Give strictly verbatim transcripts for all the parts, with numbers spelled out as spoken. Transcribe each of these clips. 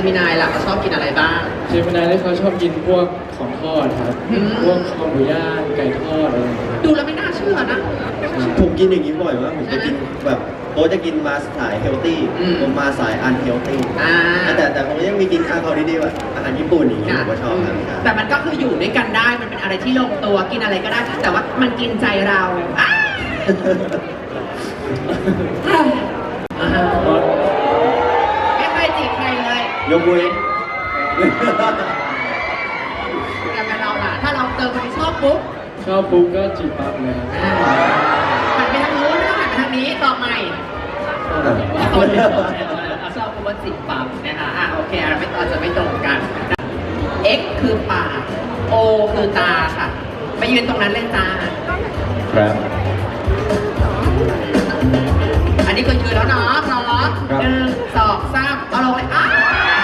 มินายล่ะเขาชอบกินอะไรบ้างเจมินายที่เขาชอบกินพวกของทอดครับพวกคอหมูย่างไก่ทอดอะไรอย่างเงี้ยดูแล้วไม่น่าเชื่อนะผมกินอย่างนี้บ่อยมากผมจะกินแบบโค้ชจะกินมาสายเฮลตี้ผมมาสายอันเฮลตี้แต่แต่ผมยังมีกินข้าวเขาดีๆแบบอาหารญี่ปุ่นอย่างเงี้ยผมก็ชอบครับแต่มันก็คืออยู่ด้วยกันได้มันเป็นอะไรที่ลงตัวกินอะไรก็ได้แต่ว่ามันกินใจเราไม่เคยจีบใครเลยยกเว้นแต่เป็นเราล่ะถ้าเราเจอคนที่ชอบปุ๊บชอบปุ๊บก็จีบปั๊บเลยหันไปทางนู้นแล้วหันไปทางนี้ต่อใหม่ชอบปุ๊บว่าจีบปั๊บนะคะอ่ะโอเคเราไม่ต่อจะไม่ตรงกัน X คือปาก O คือตาค่ะไปยืนตรงนั้นเลยจ้าครับอันนี้คือยืนแล้วเนาะพร้อมหนึ่งสองสามเอาลงเลยอ้า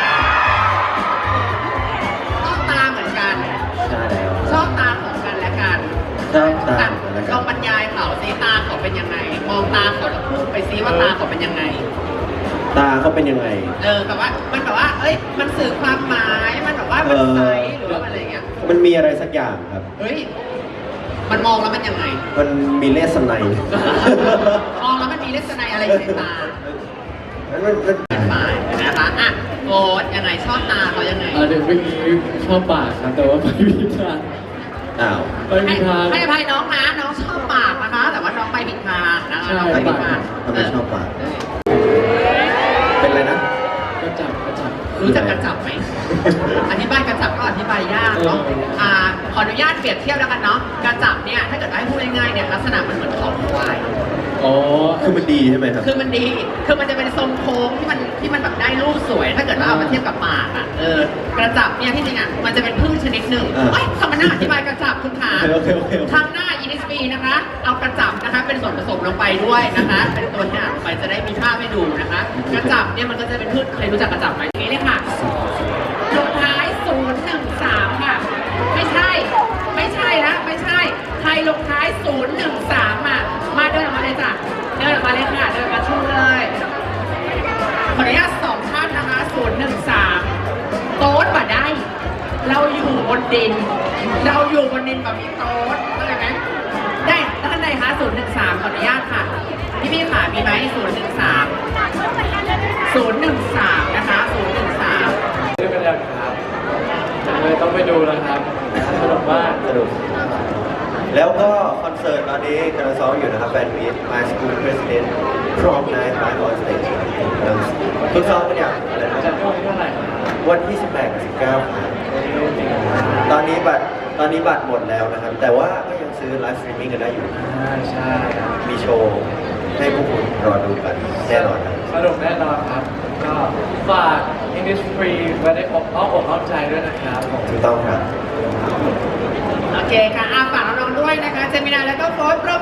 ชอบตาเหมือนกันใช่แล้วชอบตาของกันและกันชอบตาลองบรรยายเขาซิตาเขาเป็นยังไงมองตาเขาแล้วพูดไปซิว่าตาเขาเป็นยังไงตาเขาเป็นยังไงเออแบบว่ามันแบบว่าเอ้ยมันสื่อความหมายมันแบบว่ามันใสหรือว่าอะไรเงี้ยมันมีอะไรสักอย่างครับเฮ้ยมันมองแล้วมันยังไงมันมีเลสไนมองแล้วมันมีเลสไนอะไรอยู่ในตามันมันเป็นฝ่ายนะคะอ่ะโอ๊ตยังไงชอบตาเขายังไงอ่าเดี๋ยวเมื่อกี้ชอบปากครับแต่ว่าไปผิดทางอ้าวไปผิดทางให้อภัยน้องนะน้องชอบปากนะคะแต่ว่าน้องไปผิดทางนะคะน้องไปผิดทางทำไมชอบปากเป็นอะไรนะกระจับกระจับรู้จักกระจับไหมอธิบายกระจับก็อธิบายยากเนาะอ่าขออนุญาตเปรียบเทียบแล้วกันเนาะกระจับเนี่ยถ้าเกิดให้พูดง่ายๆเนี่ยลักษณะมันเหมือนเขาควายอ๋อคือมันดีใช่ไหมครับคือมันดีคือมันจะเป็นทรงโค้งที่มันที่มันแบบได้รูปสวยถ้าเกิดว่าเอามาเทียบกับปากอ่ะเออกระจับเนี่ยที่จริงอ่ะมันจะเป็นพืชชนิดหนึ่งเฮ้ยทำมันน่าอธิบายกระจับคุณขาทางหน้าอินิสปีนะคะเอากระจับนะคะเป็นส่วนผสมลงไปด้วยนะคะเป็นตัวอย่างไปจะได้มีภาพให้ดูนะคะกระจับเนี่ยมันก็จะเป็นพืชเคยรู้จักกระจับไหมนี้เลยค่ะลงท้ายศูนย์หนึ่งสามค่ะไม่ใช่ไม่ใช่นะไม่ใช่ใครลงท้ายศูนย์หนึ่งสามอ่ะมาเดินออกมาเลยจ้ะเดินออกมาเลยค่ะเดินมาชูเลยขออนุญาตสองท่านนะคะศูนย์หนึ่งสามโต๊ดมาได้เราอยู่บนดินเราอยู่บนดินแบบมีโต๊ดเข้าใจไหมได้ท่านใดคะศูนย์หนึ่งสามขออนุญาตค่ะพี่พี่ค่ะมีไหมศูนย์หนึ่งสามศูนย์หนึ่งสามนะคะศูนย์หนึ่งสามเรื่องกันยังครับเลยต้องไปดูแล้วครับสนุกมากสนุกแล้วก็คอนเสิร์ตตอนนี้กำลังซ้อมอยู่นะครับแฟนมีต My School President Prom Night by On Stage ทุกซ้อมกันอย่างอะไรนะจะช่วงเท่าไหร่วันที่สิบแปดกับสิบเก้าตอนนี้บัตรตอนนี้บัตรหมดแล้วนะครับแต่ว่าก็ยังซื้อไลฟ์สตรีมมิ่งกันได้อยู่ใช่มีโชว์ให้พวกคุณรอดูกันแน่นอนครับสนุกแน่นอนครับก็ฝาก English Free ไว้ในอกอ้อมอกอ้อมใจด้วยนะครับถูกต้องครับโอเคค่ะอาฝากน้องๆด้วยนะคะเจมินาแล้วก็โฟร์โปรโม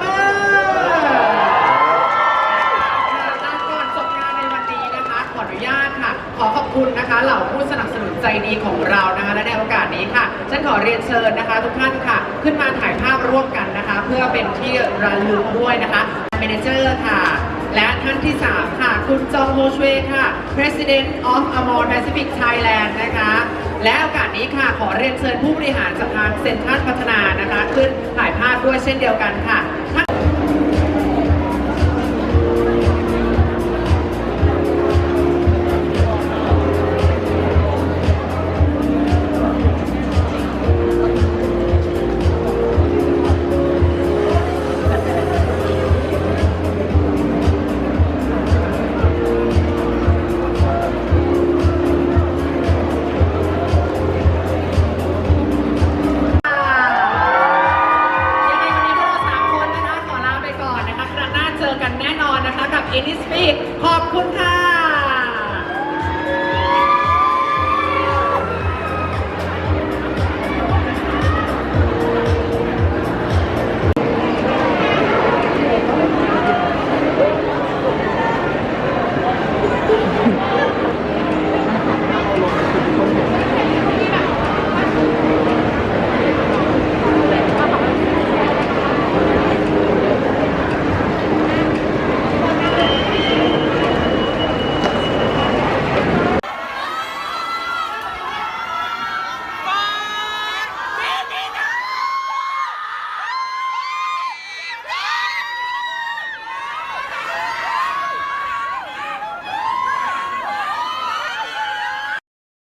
ก่อนจบงานในวันนี้นะคะขออนุญาตค่ะขอขอบคุณนะคะเหล่าผู้สนับสนุนใจดีของเรานะคะและในโอกาสนี้ค่ะฉันขอเรียนเชิญนะคะทุกท่านค่ะขึ้นมาถ่ายภาพร่วมกันนะคะเพื่อเป็นที่ระลึกด้วยนะคะเมเนเจอร์ค่ะและท่านที่สามค่ะคุณจองโฮชเวค่ะ President of Amor Pacific Thailand นะคะและโอกาสนี้ค่ะขอเรียนเชิญผู้บริหารสภาเซ็นทรัลพัฒนานะคะขึ้นถ่ายภาพด้วยเช่นเดียวกันค่ะ